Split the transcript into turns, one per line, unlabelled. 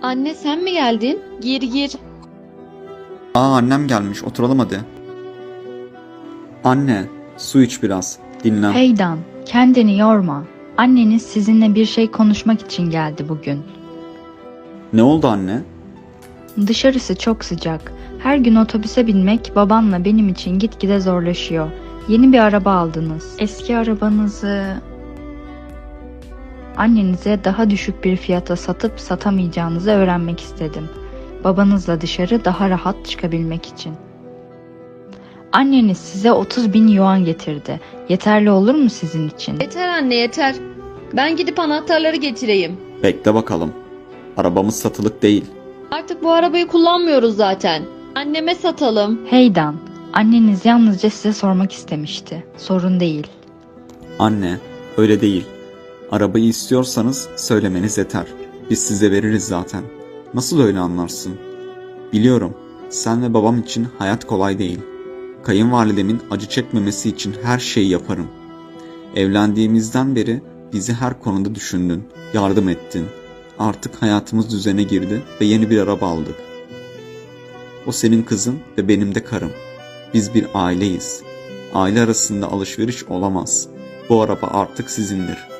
Anne sen mi geldin? Gir gir.
Aa, annem gelmiş, oturalım hadi. Anne, su iç biraz. Dinlen.
Heydan, kendini yorma. Anneniz sizinle bir şey konuşmak için geldi bugün.
Ne oldu anne?
Dışarısı çok sıcak. Her gün otobüse binmek babanla benim için gitgide zorlaşıyor. Yeni bir araba aldınız. Eski arabanızı annenize daha düşük bir fiyata satıp satamayacağınızı öğrenmek istedim. Babanızla dışarı daha rahat çıkabilmek için. Anneniz size 30.000 yuan getirdi. Yeterli olur mu sizin için?
Yeter anne yeter. Ben gidip anahtarları getireyim.
Bekle bakalım. Arabamız satılık değil.
Artık bu arabayı kullanmıyoruz zaten. Anneme satalım.
Heydan, anneniz yalnızca size sormak istemişti. Sorun değil.
Anne, öyle değil. Arabayı istiyorsanız söylemeniz yeter. Biz size veririz zaten. Nasıl öyle anlarsın? Biliyorum, sen ve babam için hayat kolay değil. Kayınvalidemin acı çekmemesi için her şeyi yaparım. Evlendiğimizden beri bizi her konuda düşündün, yardım ettin. Artık hayatımız düzene girdi ve yeni bir araba aldık. O senin kızın ve benim de karım. Biz bir aileyiz. Aile arasında alışveriş olamaz. Bu araba artık sizindir.